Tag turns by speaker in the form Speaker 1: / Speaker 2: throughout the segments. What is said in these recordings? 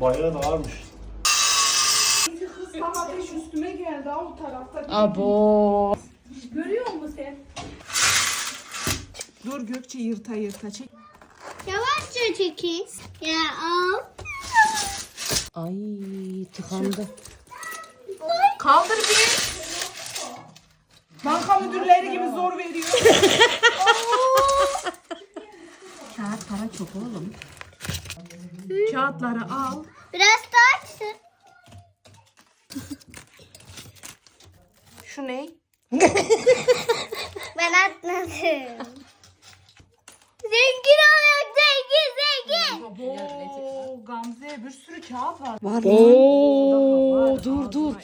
Speaker 1: Bayağı da ağırmış.
Speaker 2: Kız tam ateş üstüme geldi ha o tarafta.
Speaker 3: Abo.
Speaker 2: Görüyor musun sen? Dur Gökçe yırta yırta çek.
Speaker 4: Yavaşça çekin. Ya al.
Speaker 3: Ay tıkandı.
Speaker 2: Kaldır bir. Banka müdürleri gibi zor veriyor.
Speaker 3: Kağıt para çok oğlum.
Speaker 2: Kağıtları al.
Speaker 4: Biraz daha açsın.
Speaker 2: Şu ne?
Speaker 4: Ben atmadım. Zengin olacak, zengin.
Speaker 2: Abo Gamze bir sürü kağıt var.
Speaker 3: Var Oo, dur.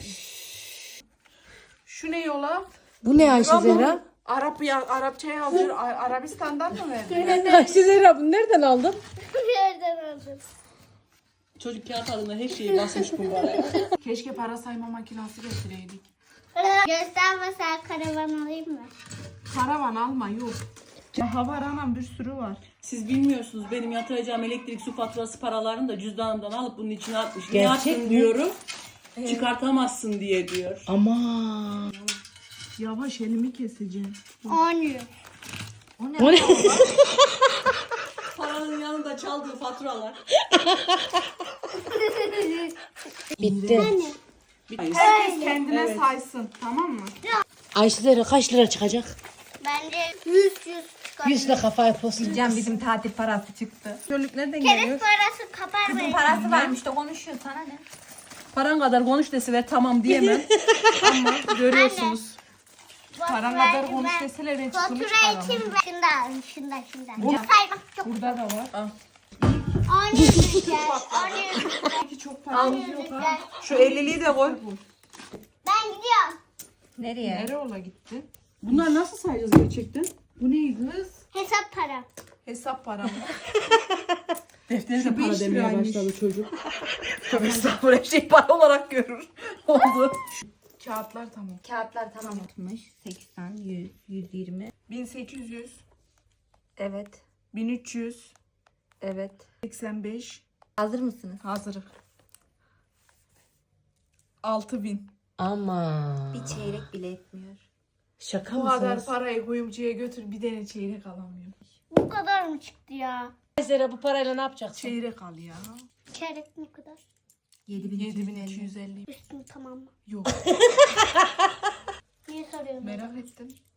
Speaker 2: Şu ne yola?
Speaker 3: Bu ne Ayşe Zehra?
Speaker 2: Arapça yazıyor. Arabistan'dan mı verdin?
Speaker 3: Ayşe Zehra bunu nereden aldın?
Speaker 4: Nereden aldın?
Speaker 5: Çocuk kağıt adına her şeyi basmış bunlara.
Speaker 2: Keşke para sayma makinesi getireydik.
Speaker 4: Göstermesen karavan alayım mı?
Speaker 2: Karavan alma yok. Daha var anam bir sürü var.
Speaker 5: Siz bilmiyorsunuz benim yatıracağım elektrik su faturası paralarını da cüzdanımdan alıp bunun içine atmış. Niye
Speaker 3: Gerçek
Speaker 5: attın
Speaker 3: mi?
Speaker 5: diyorum. Çıkartamazsın diye diyor.
Speaker 3: Aman.
Speaker 2: Yavaş elimi keseceğim.
Speaker 4: 10 euro.
Speaker 3: O ne?
Speaker 5: Paranın yanında çaldığı faturalar.
Speaker 3: Bitti.
Speaker 2: Herkes kendine saysın tamam mı?
Speaker 3: Ayşe Zehra kaç lira çıkacak?
Speaker 4: Bence 100 çıkar.
Speaker 3: 100 lira kafaya post.
Speaker 6: Can bizim tatil parası çıktı.
Speaker 2: Körlük nereden
Speaker 4: Kerek
Speaker 2: geliyor?
Speaker 4: parası kapar
Speaker 6: Kızın
Speaker 4: mı?
Speaker 6: parası varmış da konuşuyor sana ne?
Speaker 5: Paran kadar konuş deseler tamam diyemem. Ama görüyorsunuz.
Speaker 2: Paran kadar konuş deseler ben çıkımı
Speaker 4: Fatura
Speaker 2: çıkaramam.
Speaker 4: için şundan. Say bak çok.
Speaker 2: Burada da var.
Speaker 4: 10 euro çıkar. 10 euro çıkar.
Speaker 2: Belki çok paramız
Speaker 4: 10 euro
Speaker 2: yok ha.
Speaker 4: çıkar.
Speaker 5: Şu 50'liği de koy.
Speaker 4: Ben gidiyorum.
Speaker 6: Nereye?
Speaker 2: Ereola gitti.
Speaker 5: Bunlar nasıl sayacağız gerçekten?
Speaker 2: Bu ne kız?
Speaker 4: Hesap para.
Speaker 2: Hesap param.
Speaker 5: Defteri de
Speaker 2: Şu
Speaker 5: para
Speaker 2: 5
Speaker 5: demeye
Speaker 2: liraymış.
Speaker 5: başladı çocuk. Tabii estağfurullah her şeyi para olarak görür. Oldu.
Speaker 2: Kağıtlar tamam.
Speaker 6: Kağıtlar tamam 60, 80, 100, 120.
Speaker 2: 1800,
Speaker 6: Evet.
Speaker 2: 1300,
Speaker 6: Evet.
Speaker 2: 85.
Speaker 6: Hazır mısınız?
Speaker 2: Hazırım. 6000.
Speaker 3: Ama.
Speaker 6: Bir çeyrek bile etmiyor.
Speaker 3: Şaka
Speaker 2: Bu kadar
Speaker 3: mısınız?
Speaker 2: parayı kuyumcuya götür bir tane çeyrek alamıyorum.
Speaker 4: Bu kadar mı çıktı ya?
Speaker 3: Ayşe Zehra bu parayla ne yapacaksın?
Speaker 2: Çeyrek al ya.
Speaker 4: Çeyrek ne kadar?
Speaker 2: 7250.
Speaker 4: Üstüm tamam mı?
Speaker 2: Yok
Speaker 4: Niye soruyorsun?
Speaker 2: merak ettim.